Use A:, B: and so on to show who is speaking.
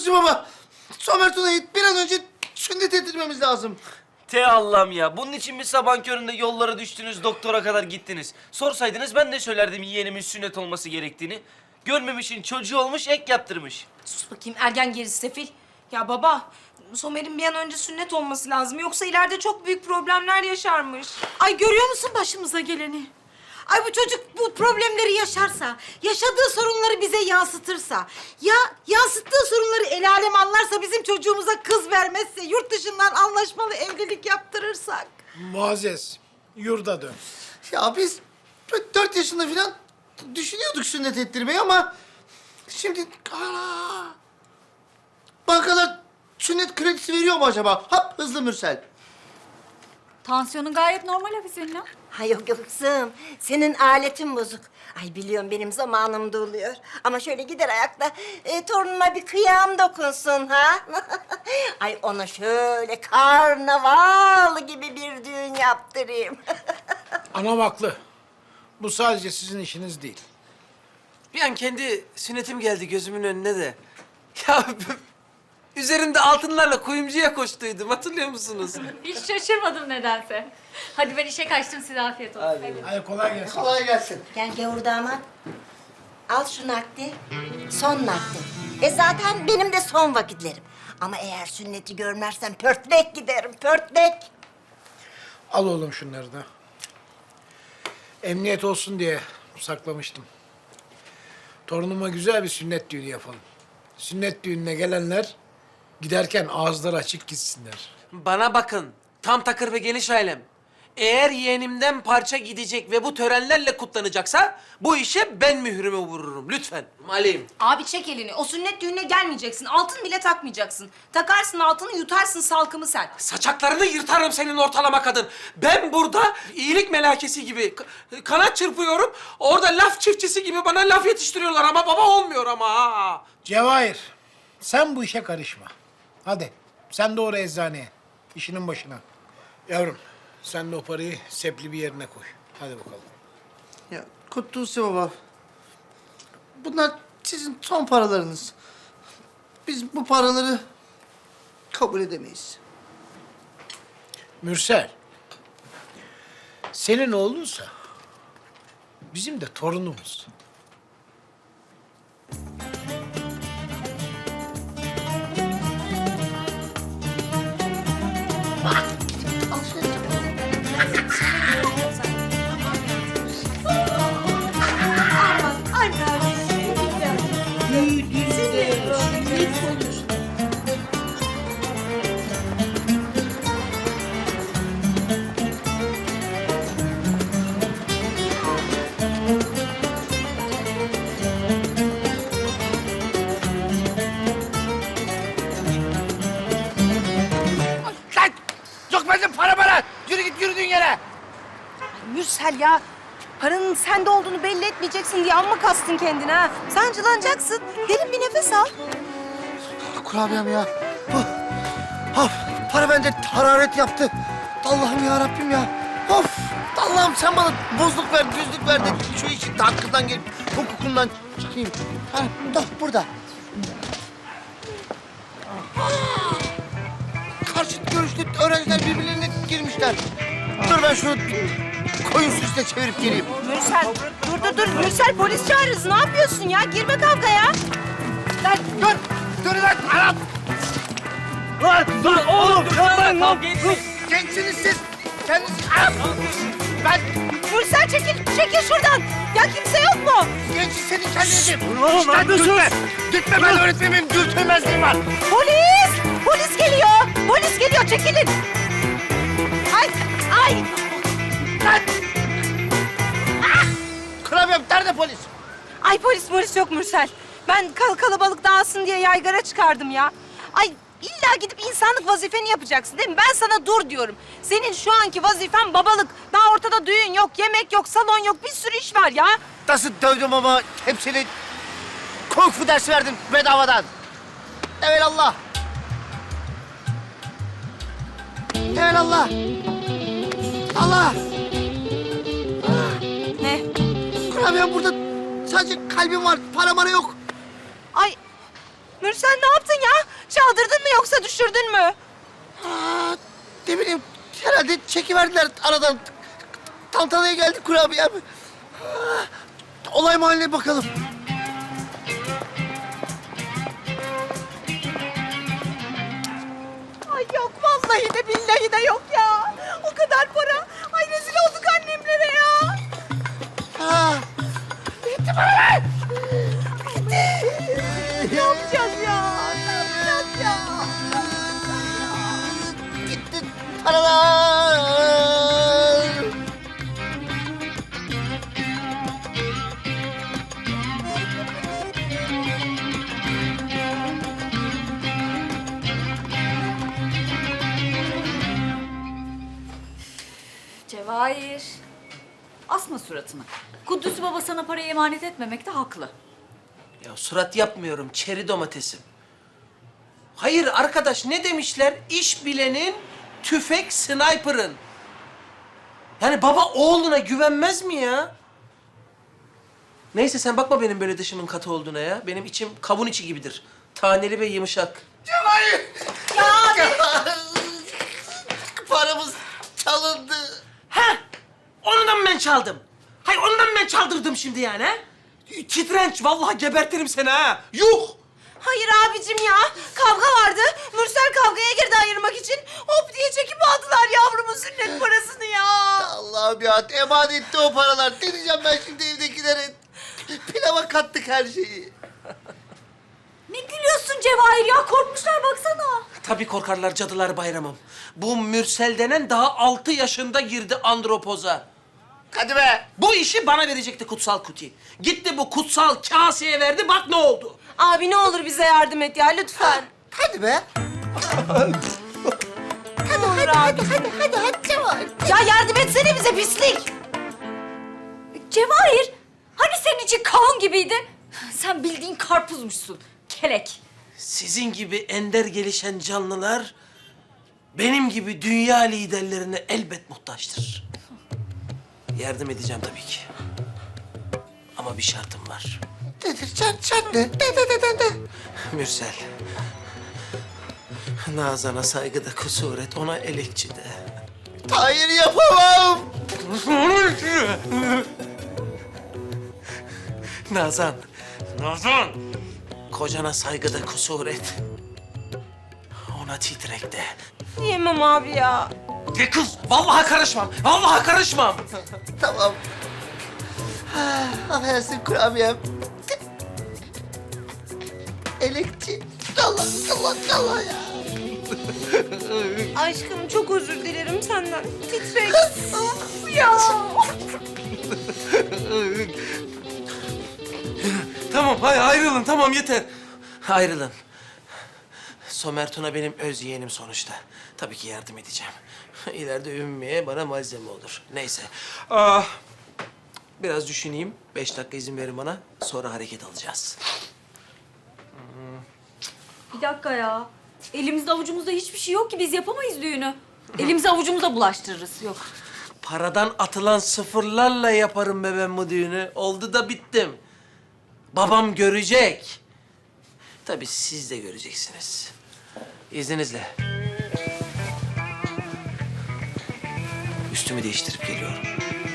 A: Kutlusu baba. Somer Tuna'yı bir an önce sünnet ettirmemiz lazım.
B: Te Allah'ım ya. Bunun için mi sabah köründe yollara düştünüz, doktora kadar gittiniz? Sorsaydınız ben de söylerdim yeğenimin sünnet olması gerektiğini. Görmemişin çocuğu olmuş, ek yaptırmış.
C: Sus bakayım ergen gerisi sefil. Ya baba, Somer'in bir an önce sünnet olması lazım. Yoksa ileride çok büyük problemler yaşarmış.
D: Ay görüyor musun başımıza geleni? Ay bu çocuk bu problemleri yaşarsa, yaşadığı sorunları bize yansıtırsa, ya yansıttığı sorunları el alem anlarsa, bizim çocuğumuza kız vermezse, yurt dışından anlaşmalı evlilik yaptırırsak.
E: Muazzez, yurda dön.
A: Ya biz 4 yaşında falan düşünüyorduk sünnet ettirmeyi ama... Şimdi... Bankalar sünnet kredisi veriyor mu acaba? Hap hızlı Mürsel.
F: Tansiyonun gayet normal Hafize'nin.
G: Ha yok yok kızım. Senin aletin bozuk. Ay biliyorum benim zamanımda oluyor. Ama şöyle gider ayakta torunuma bir kıyam dokunsun ha. Ay ona şöyle karnaval gibi bir düğün yaptırayım.
E: Anam haklı. Bu sadece sizin işiniz değil.
H: Bir an kendi sünnetim geldi gözümün önüne de. Ya üzerinde altınlarla kuyumcuya koştuydum, hatırlıyor musunuz?
F: Hiç şaşırmadım nedense. Hadi ben işe kaçtım, size afiyet olsun.
E: Hadi kolay gelsin.
A: Kolay gelsin.
G: Gel gavur damat. Al şu nakdi. Son nakdi. Zaten benim de son vakitlerim. Ama eğer sünneti görmezsem pörtlek giderim, pörtlek.
E: Al oğlum şunları da. Emniyet olsun diye saklamıştım. Torunuma güzel bir sünnet düğünü yapalım. Sünnet düğününe gelenler giderken ağızları açık gitsinler.
H: Bana bakın, tam takır ve geniş ailem. Eğer yeğenimden parça gidecek ve bu törenlerle kutlanacaksa... ...bu işe ben mührümü vururum, lütfen. Maliyim.
C: Abi çek elini. O sünnet düğününe gelmeyeceksin. Altın bile takmayacaksın. Takarsın altını, yutarsın salkımı sen.
H: Saçaklarını yırtarım senin ortalama kadın. Ben burada iyilik melakesi gibi kanat çırpıyorum. Orada laf çiftçisi gibi bana laf yetiştiriyorlar ama baba olmuyor ama ha.
E: Cevahir, sen bu işe karışma. Hadi, sen doğru eczaneye. İşinin başına. Yavrum, sen de o parayı sepli bir yerine koy. Hadi bakalım.
A: Ya Kutlusu baba. Bunlar sizin son paralarınız. Biz bu paraları kabul edemeyiz.
E: Mürsel, senin oğlunsa bizim de torunumuz.
A: Lan! Yok bende para bana! Yürü git yürüdüğün yere!
C: Mürsel ya. Paranın sende olduğunu belli etmeyeceksin diye amma kastın kendine ha. Sancılanacaksın. Derin bir nefes al.
A: Kurabiyem ya. Bu. Of, para bende hararet yaptı. Allah'ım ya Rabbim ya. Of. Allah'ım sen bana bozluk ver, düzlük ver de şu işin hakkından gelip hukukundan çıkayım. Ha, burada. Karşıt görüşlü öğrenciler birbirlerine girmişler. Dur ben şunu koyun süsle çevirip geleyim.
C: Mürsel, dur. Mürsel polis çağırırız. Ne yapıyorsun ya? Girme kavgaya.
A: Lan dur lan Arap. Lan dur oğlum yapmayın lan. Gençsiniz siz. Kendiniz Arap. Ben
C: Mürsel çekil şuradan. Ya kimse yok mu?
A: genç senin kendini. Dur oğlum neredesin? Gitme ben öğretmenim dürtülmezliğim var.
C: Polis geliyor. Çekilin. Ay.
A: Lan. Kurabiyem nerede polis?
C: Ay polis yok Mürsel. Ben kalabalık dağılsın diye yaygara çıkardım ya. Ay illa gidip insanlık vazifeni yapacaksın değil mi? Ben sana dur diyorum. Senin şu anki vazifen babalık. Daha ortada düğün yok, yemek yok, salon yok. Bir sürü iş var ya.
A: Nasıl dövdüm ama hepsini kung fu dersi verdim bedavadan. Evelallah. Evelallah. Allah.
C: Ne?
A: Kurabiyem burada sadece kalbim var, para yok.
C: Ay Mürsel ne yaptın ya? çaldırdın mı yoksa düşürdün mü?
A: Aa, ne bileyim herhalde çekiverdiler aradan. Tantanaya geldi kurabiyem. Olay mahalline bakalım.
C: Ay yok vallahi de billahi de yok ya. O kadar para. Ay rezil olduk annemlere ya.
A: Ha,
C: Ne yapacağız ya? Ne yapacağız ya?
A: gitti paralar.
F: Cevahir. Asma suratını. Kudüs baba sana parayı emanet etmemekte haklı.
H: Ya surat yapmıyorum, çeri domatesim. Hayır arkadaş, ne demişler? İş bilenin, tüfek sniper'ın. Yani baba oğluna güvenmez mi ya? Neyse sen bakma benim böyle dışımın katı olduğuna ya. Benim içim kavun içi gibidir. Taneli ve yumuşak.
A: Paramız çalındı.
H: Ha! Onu da mı ben çaldım? Hayır onu da mı ben çaldırdım şimdi yani ha? Titrenç, vallahi gebertirim seni ha. Yuh!
C: Hayır abicim ya. Kavga vardı. Mürsel kavgaya girdi ayırmak için. Hop diye çekip aldılar yavrumun sünnet parasını ya.
A: Allah'ım ya emanetti o paralar. Ne diyeceğim ben şimdi evdekilere? Pilava kattık her şeyi.
F: Ne gülüyorsun Cevahir ya? Korkmuşlar baksana.
H: Tabii korkarlar cadılar bayramım. Bu Mürsel denen daha 6 yaşında girdi andropoza.
A: Hadi be.
H: Bu işi bana verecekti kutsal kuti. Gitti bu kutsal kaseye verdi, bak ne oldu.
C: Abi ne olur bize yardım et ya lütfen.
A: Hadi be.
C: Ne olur abi.
A: Hadi Cemal.
C: Ya yardım etsene bize pislik.
F: Cevahir. Hani senin için kavun gibiydi? Sen bildiğin karpuzmuşsun. Kelek.
H: Sizin gibi ender gelişen canlılar benim gibi dünya liderlerine elbet muhtaçtır. Yardım edeceğim tabii ki. Ama bir şartım var.
A: Nedir? Çat ne? De.
H: Mürsel. Nazan'a saygıda kusur et, ona elekçi de.
A: Hayır yapamam.
H: Nazan. Nazan. Kocana saygıda kusur et. Ona titrek de.
C: Yemem abi ya.
H: De kız, vallahi karışmam. Vallahi karışmam.
A: Tamam. Affedersin kurabiyem. Elekçi. Allah ya.
C: Aşkım çok özür dilerim senden. Titrek. ya.
H: Tamam, hayır ayrılın. Tamam yeter. Ayrılın. Somer Tuna benim öz yeğenim sonuçta. Tabii ki yardım edeceğim. İleride Ümmü'ye bana malzeme olur. Neyse. Biraz düşüneyim. 5 dakika izin verin bana. Sonra hareket alacağız.
F: Bir dakika ya. Elimizde avucumuzda hiçbir şey yok ki biz yapamayız düğünü. Elimizi avucumuza bulaştırırız. Yok.
H: Paradan atılan sıfırlarla yaparım be ben bu düğünü. Oldu da bittim. Babam görecek. Tabii siz de göreceksiniz. İzninizle. Üstümü değiştirip geliyorum.